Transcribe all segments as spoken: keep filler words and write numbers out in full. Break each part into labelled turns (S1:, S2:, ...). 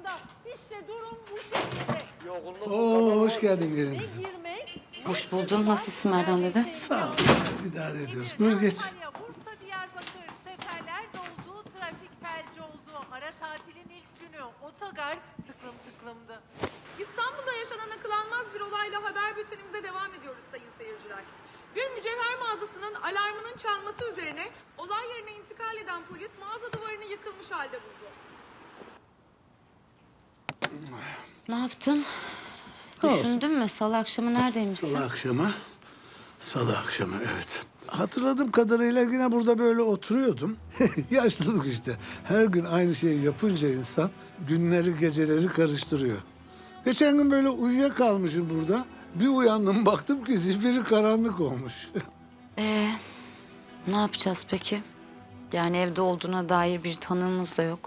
S1: aslında. İşte durum bu şekilde.
S2: Oo, hoş geldin gelin
S1: Ne
S2: kızım.
S1: girmek,
S3: Hoş buldum. Nasılsın Merdan dede?
S2: Sağ ol. İdare ediyoruz. Buyur geç.
S1: Antalya, Bursa, Diyarbakır, seferler doldu, trafik felci oldu. Ara tatilin ilk günü otogar tıklım tıklımdı.
S4: İstanbul'da yaşanan akıl almaz bir olayla haber bültenimize devam ediyoruz sayın seyirciler. Bir mücevher mağazasının alarmının çalması üzerine olay yerine intikal eden polis mağaza duvarını yıkılmış halde buldu.
S3: Ne yaptın?
S2: Ne olsun?
S3: Düşündün mü? Salı akşamı neredeymişsin?
S2: Salı akşamı. Salı akşamı evet. Hatırladığım kadarıyla yine burada böyle oturuyordum. Yaşlılık işte. Her gün aynı şeyi yapınca insan günleri geceleri karıştırıyor. Geçen gün böyle uyuyakalmışım burada. Bir uyandım baktım ki zifiri karanlık olmuş.
S3: Ee, ne yapacağız peki? Yani evde olduğuna dair bir tanığımız da yok.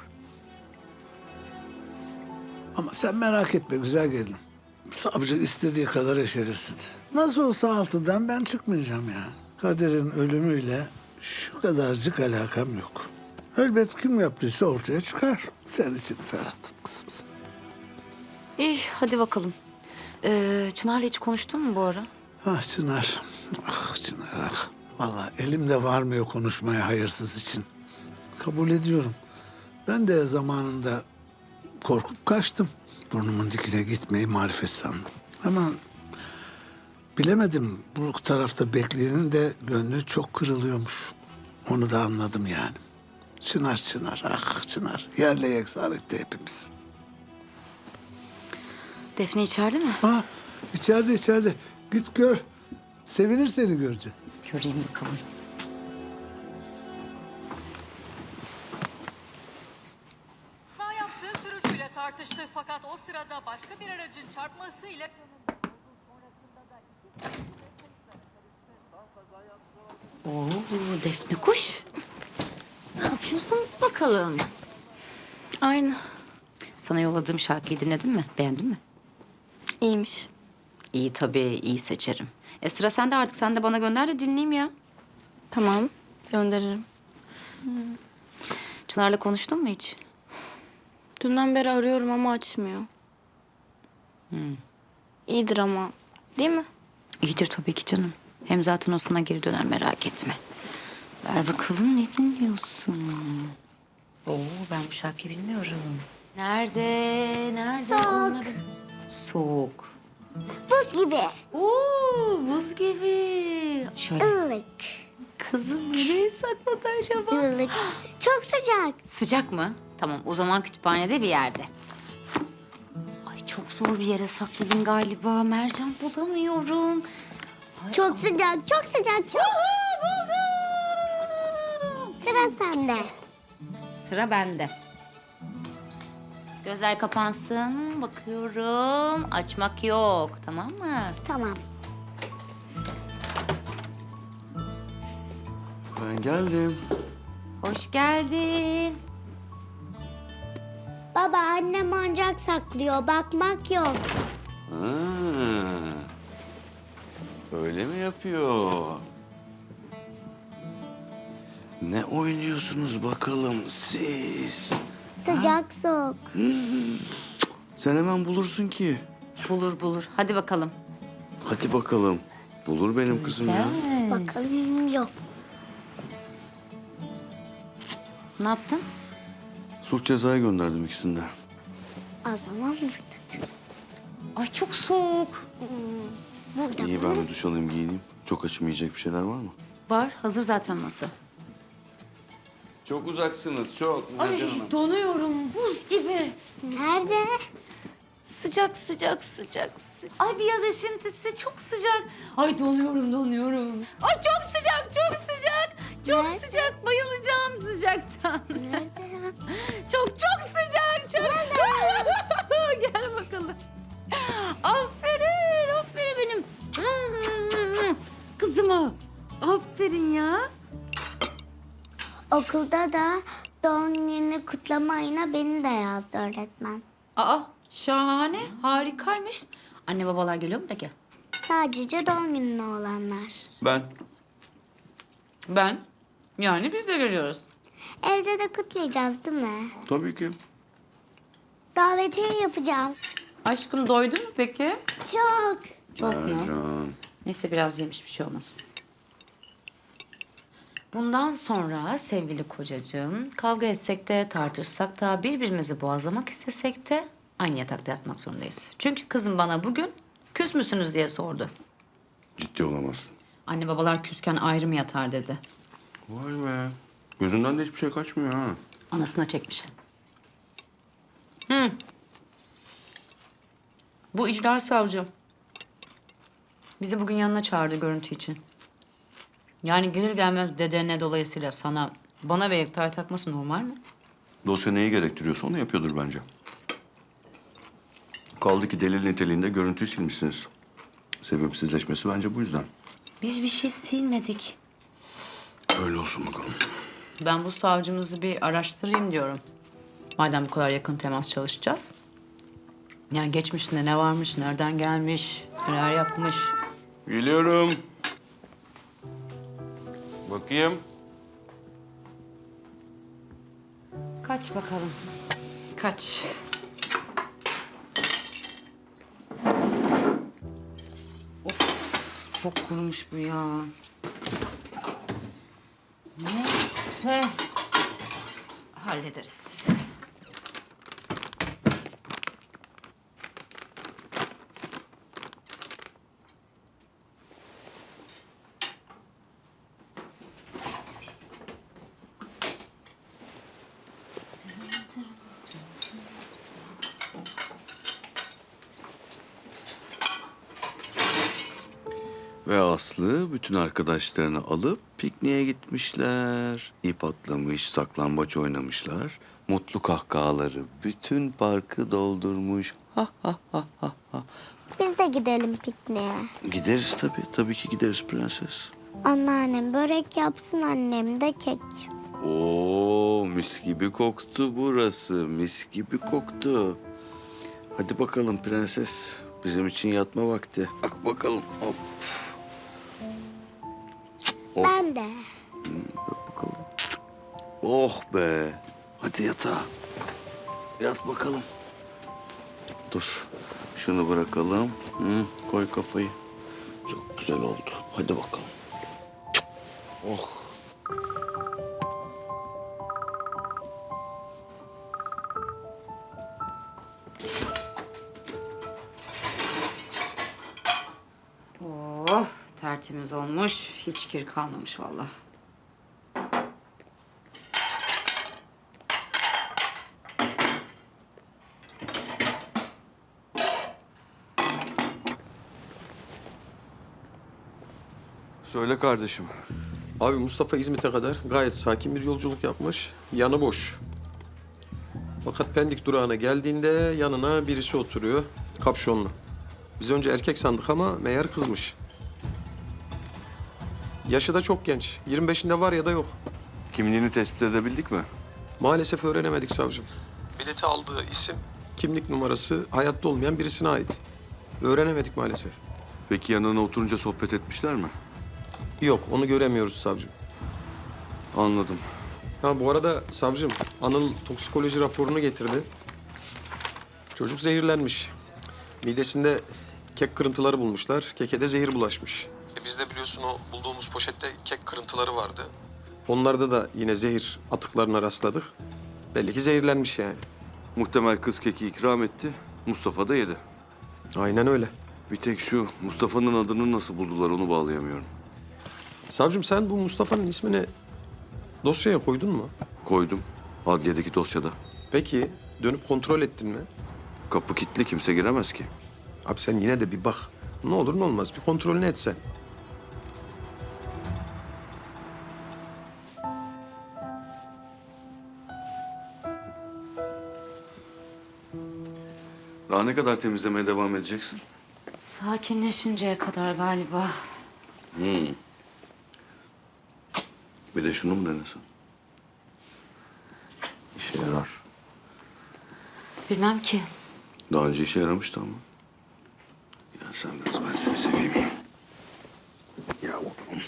S2: Ama sen merak etme güzel gelin. Savcı istediği kadar eşelesin. Nasıl olsa altıdan ben çıkmayacağım ya. Kader'in ölümüyle şu kadarcık alakam yok. Elbet kim yaptıysa ortaya çıkar. Sen için ferah tut kızım sen.
S3: İyi, hadi bakalım. Ee, Çınar'la hiç konuştun mu bu ara?
S2: Ah Çınar. Ah Çınar ah. Vallahi elimde varmıyor konuşmaya hayırsız için. Kabul ediyorum. Ben de zamanında korkup kaçtım. Burnumun dikine gitmeyi marifet sandım. Ama bilemedim bu tarafta bekleyenin de gönlü çok kırılıyormuş. Onu da anladım yani. Çınar Çınar ah Çınar yerle yeksan etti hepimiz.
S3: Defne içeride mi?
S2: Ha içeride içeride git gör. Sevinir seni görünce.
S3: Göreyim bakalım.
S1: Sağ yaptığı sürücüyle tartıştı fakat o sırada başka bir aracın çarpmasıyla...
S3: Oo, Defne kuş. Ne yapıyorsun bakalım?
S5: Aynı.
S3: Sana yolladığım şarkıyı dinledin mi? Beğendin mi?
S5: İyiymiş.
S3: İyi tabii, iyi seçerim. E sıra sende artık. Sen de bana gönder de dinleyeyim ya.
S5: Tamam. Gönderirim.
S3: Çınar'la konuştun mu hiç?
S5: Dünden beri arıyorum ama açmıyor. İyidir ama. Değil mi?
S3: İyidir tabii ki canım. Hem zaten o sana geri döner merak etme. Ver bakalım ne dinliyorsun? Oo ben bu şarkıyı bilmiyorum. Nerede? Nerede?
S6: Soğuk.
S3: Onları... Soğuk.
S6: Buz gibi.
S3: Oo buz gibi. Şöyle.
S6: Ilık.
S3: Kızım nereye sakladı acaba?
S6: Ilık. Çok sıcak.
S3: Sıcak mı? Tamam o zaman kütüphanede bir yerde. Ay çok zor bir yere sakladın galiba. Mercan bulamıyorum.
S6: Çok sıcak. Çok sıcak. Çok.
S3: Buldum.
S6: Sıra sende.
S3: Sıra bende. Gözler kapansın. Bakıyorum. Açmak yok. Tamam mı?
S6: Tamam.
S7: Ben geldim.
S3: Hoş geldin.
S6: Baba annem oyuncak saklıyor. Bakmak yok.
S7: Ha, öyle mi yapıyor? Ne oynuyorsunuz bakalım siz?
S6: Sıcak soğuk.
S7: Sen hemen bulursun ki.
S3: Bulur bulur. Hadi bakalım.
S7: Hadi bakalım. Bulur benim kızım ya.
S3: Gel.
S6: Bakalım yok.
S3: Ne yaptın?
S7: Sulh cezaya gönderdim ikisini de.
S6: O zaman burada.
S3: Ay çok soğuk.
S6: Burada.
S7: İyi ben bir duş alayım giyineyim. Çok açım yiyecek bir şeyler var mı?
S3: Var. Hazır zaten masa.
S7: Çok uzaksınız çok. Mercan Hanım.
S3: Donuyorum. Buz gibi.
S6: Nerede?
S3: Sıcak sıcak sıcak. sı- Ay bir yaz esintisi çok sıcak. Ay donuyorum donuyorum. Ay çok sıcak çok sıcak. Çok
S6: Nerede?
S3: sıcak bayılacağım sıcaktan.
S6: Nerede ya?
S3: Çok çok sıcak çok. Gel bakalım. Aferin aferin benim. Kızıma. Aferin ya.
S6: Okulda da doğum gününü kutlama ayına beni de yazdı öğretmen.
S3: Aa şahane harikaymış. Anne babalar geliyor mu peki?
S6: Sadece doğum gününe olanlar.
S7: Ben.
S3: Ben. Yani biz de geliyoruz.
S6: Evde de kutlayacağız değil mi?
S7: Tabii ki.
S6: Davetiye yapacağım.
S3: Aşkım doydun mu peki?
S6: Çok.
S3: Çok mu?
S7: Ercan.
S3: Neyse biraz yemiş bir şey olmaz. Bundan sonra sevgili kocacığım kavga etsek de tartışsak da birbirimizi boğazlamak istesek de aynı yatakta yatmak zorundayız. Çünkü kızım bana bugün küs müsünüz diye sordu.
S7: Ciddi olamazsın.
S3: Anne babalar küsken ayrı mı yatar dedi.
S7: Vay be. Gözünden de hiçbir şey kaçmıyor ha.
S3: Anasına çekmiş. Hı. Bu icra savcı. Bizi bugün yanına çağırdı görüntü için. Yani gelir gelmez dedene dolayısıyla sana, bana ve Yekta'ya takması normal mi?
S7: Dosya neyi gerektiriyorsa onu yapıyordur bence. Kaldı ki delil niteliğinde görüntüyü silmişsiniz. Sebepsizleşmesi bence bu yüzden.
S3: Biz bir şey silmedik.
S7: Öyle olsun bakalım.
S3: Ben bu savcımızı bir araştırayım diyorum. Madem bu kadar yakın temas çalışacağız. Yani geçmişinde ne varmış, nereden gelmiş, neler yapmış.
S7: Geliyorum. Bakayım.
S3: Kaç bakalım. Kaç. Of, çok kurumuş bu ya. Neyse. Hallederiz.
S7: Ve Aslı bütün arkadaşlarını alıp pikniğe gitmişler. İp atlamış, saklambaç oynamışlar. Mutlu kahkahaları bütün parkı doldurmuş. Ha ha ha ha ha.
S6: Biz de gidelim pikniğe.
S7: Gideriz tabii. Tabii ki gideriz prenses.
S6: Anneannem börek yapsın, annem de kek.
S7: Oo, mis gibi koktu burası. Mis gibi koktu. Hadi bakalım prenses. Bizim için yatma vakti. Bak bakalım. Hop. Oh.
S6: Ben de.
S7: Bak bakalım. Oh be. Hadi yatağa. Yat bakalım. Dur. Şunu bırakalım. Hı, koy kafayı. Çok güzel oldu. Hadi bakalım. Oh.
S3: Oh, tertemiz olmuş. Hiç kir kalmamış vallahi.
S7: Söyle kardeşim.
S8: Abi Mustafa İzmit'e kadar gayet sakin bir yolculuk yapmış. Yanı boş. Fakat Pendik durağına geldiğinde yanına birisi oturuyor. Kapşonlu. Biz önce erkek sandık ama meğer kızmış. Yaşı da çok genç. yirmi beşinde var ya da yok.
S7: Kimliğini tespit edebildik mi?
S8: Maalesef öğrenemedik savcım. Bileti aldığı isim, kimlik numarası hayatta olmayan birisine ait. Öğrenemedik maalesef.
S7: Peki yanına oturunca sohbet etmişler mi?
S8: Yok, onu göremiyoruz savcım.
S7: Anladım.
S8: Ha bu arada savcım, Anıl toksikoloji raporunu getirdi. Çocuk zehirlenmiş. Midesinde kek kırıntıları bulmuşlar. Keke de zehir bulaşmış. E biz de biliyorsun o bulduğumuz poşette kek kırıntıları vardı. Onlarda da yine zehir atıklarına rastladık. Belli ki zehirlenmiş yani.
S7: Muhtemel kız keki ikram etti. Mustafa da yedi.
S8: Aynen öyle.
S7: Bir tek şu Mustafa'nın adını nasıl buldular onu bağlayamıyorum.
S8: Savcım sen bu Mustafa'nın ismini dosyaya koydun mu?
S7: Koydum. Adliyedeki dosyada.
S8: Peki dönüp kontrol ettin mi?
S7: Kapı kilitli kimse giremez ki.
S8: Abi sen yine de bir bak. Ne olur ne olmaz bir kontrolünü etsen.
S7: Daha ne kadar temizlemeye devam edeceksin?
S3: Sakinleşinceye kadar galiba.
S7: Hmm. Bir de şunu mu denesen? İşe yarar.
S3: Bilmem ki.
S7: Daha önce işe yaramıştı ama. Ya sen biraz ben seni seveyim. Ya bakalım.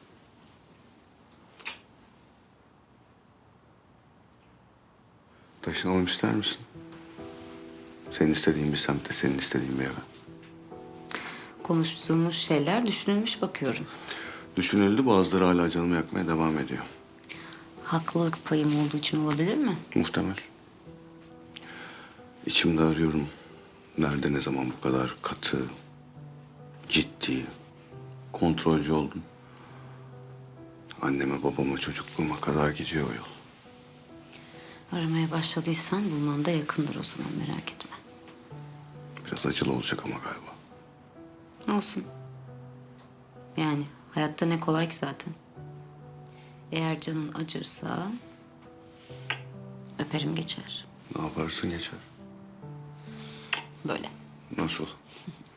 S7: Taşı taşınalım ister misin? Senin istediğin bir semte, senin istediğin bir eve.
S3: Konuştuğumuz şeyler düşünülmüş bakıyorum.
S7: Düşünüldü, bazıları hala canımı yakmaya devam ediyor.
S3: Haklılık payım olduğu için olabilir mi?
S7: Muhtemel. İçimde arıyorum. Nerede, ne zaman bu kadar katı, ciddi, kontrolcü oldum. Anneme, babama, çocukluğuma kadar gidiyor o yol.
S3: Aramaya başladıysan bulman da yakındır o zaman, merak etme.
S7: Biraz acılı olacak ama galiba.
S3: Olsun. Yani hayatta ne kolay ki zaten. Eğer canın acırsa öperim geçer.
S7: Ne yaparsın geçer.
S3: Böyle.
S7: Nasıl?